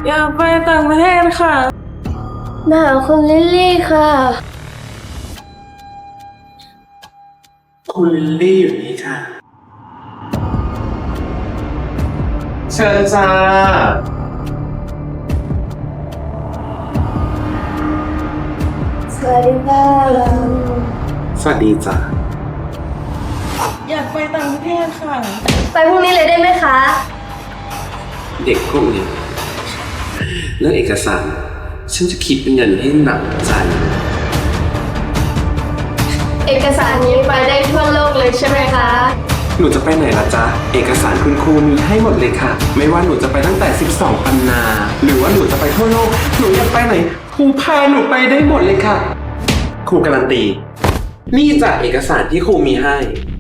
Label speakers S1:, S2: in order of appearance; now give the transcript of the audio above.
S1: อยากไปต่างประเทศค่ะ
S2: มาหาคุณลิลลี่ค่ะ
S3: คุณลิลลี่อยู่นี่ค่ะ เชิญจ้า
S2: สวัสดีค่ะ
S3: สวัสดีจ้า
S1: อยากไปต่างประเทศค่ะ
S2: ไปพรุ่งนี้เลยได้ไหมคะ
S3: เด็กพวกนี้เรื่องเอกสาร ฉันจะคิดเป็นเงินให้หนักใจ
S2: เอกสารนี้ไปได้ทั่วโลกเลยใช่ไหมคะ
S3: หนูจะไปไหนล่ะจ๊ะ เอกสารคุณครูมีให้หมดเลยค่ะ ไม่ว่าหนูจะไปตั้งแต่ 12 ปันนา หรือว่าหนูจะไปทั่วโลก หนูอยากไปไหน ครูพาหนูไปได้หมดเลยค่ะ ครูการันตี นี่จากเอกสารที่ครูมีให้